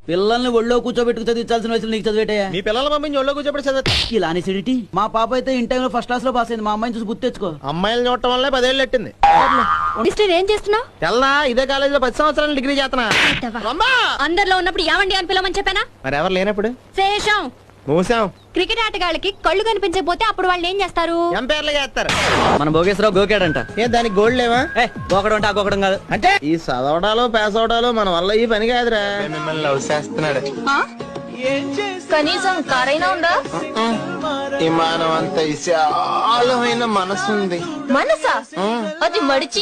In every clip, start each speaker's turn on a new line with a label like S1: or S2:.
S1: పిల్లల్ని ఒళ్ళో కూర్చోబెట్టుకు చదివించాల్సిన వయసులో నీకు చదివేటయా?
S2: మీ పిల్లల పంపించి ఒళ్ళో కూర్చోబెట్టి చదివి
S1: ఇలా అనేసిడిటీ. మా పాప అయితే ఇన్ టైంలో ఫస్ట్ క్లాస్ లో పాస్ అయింది. మా అమ్మాయిని చూసి గుర్తు తెచ్చుకో.
S2: అమ్మాయిలు చూడటం వల్లే 10 ఏళ్ళు ఎట్టింది.
S3: మిస్టర్ ఏం చేస్తున్నావు?
S2: తెల్లా ఇదే కాలేజీలో 10 సంవత్సరాలు డిగ్రీ చేస్తున్నా.
S3: అందరిలో ఉన్నప్పుడు ఏమండి అని పిలవమని చెప్పానా?
S2: మరి ఎవరు లేనప్పుడు
S3: శేషం
S2: మూసాం.
S3: క్రికెట్ ఆటగాళ్ళకి కళ్ళు కనిపించకపోతే అప్పుడు వాళ్ళు ఏం చేస్తారు?
S2: ఎంపైర్లు చేస్తారు.
S1: మన భోగేశ్వరరావు గోకాడంట.
S2: ఏ దానికి గోల్డ్ లేవా?
S1: గోకడం అంటే ఆ గోకడం కాదు.
S2: అంటే ఈ చదవడాలు పాస్ అవడాలు మన వల్ల ఈ పని కాదురా. మిమ్మల్ని లవ్ చేస్తున్నాడు.
S3: కనీసం కారైనా ఉందా?
S2: విమానం అంత విశాలమైన మనసు ఉంది.
S3: మనసా? అది మడిచి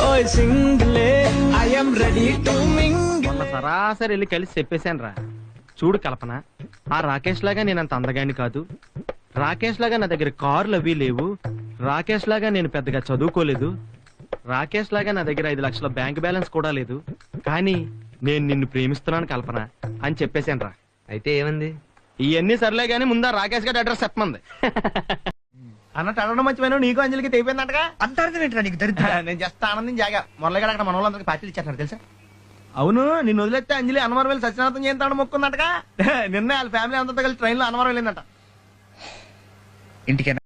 S4: మొన్న సరాసరి వెళ్ళి కలిసి చెప్పేశాను రా. చూడు కల్పన, ఆ రాకేష్ లాగా నేనంత అందగాని కాదు, రాకేష్ లాగా నా దగ్గర కార్లు అవి లేవు, రాకేష్ లాగా నేను పెద్దగా చదువుకోలేదు, రాకేష్ లాగా నా దగ్గర 5 లక్షల బ్యాంక్ బ్యాలెన్స్ కూడా లేదు, కానీ నేను నిన్ను ప్రేమిస్తున్నాను కల్పన అని చెప్పేశాను రా.
S5: అయితే ఏమంది?
S4: ఇవన్నీ సర్లే గానీ ముందా రాకేష్ గారి అడ్రస్ చెప్పమంది.
S2: అన్నట్టు అడగడం మంచి నీకు అంజలికి తెగిపోయిందంటగా.
S5: అంటారు నీకు దరిద్ర.
S2: నేను జస్ట్ ఆనందం జాగా మొరలగా అక్కడ మన వాళ్ళందరికీ పార్టీలు ఇచ్చేస్తున్నారు తెలుసా? అవును, నిన్ను వదిలేస్తే అంజలి అన్నవరం వెళ్ళి సత్యనారాయణ చేస్తాడు మొక్కుందంటగా. నిన్న వాళ్ళ ఫ్యామిలీ అంతా కలిసి ట్రైన్ లో అన్నవరం వెళ్ళిందట.
S5: ఇంటికి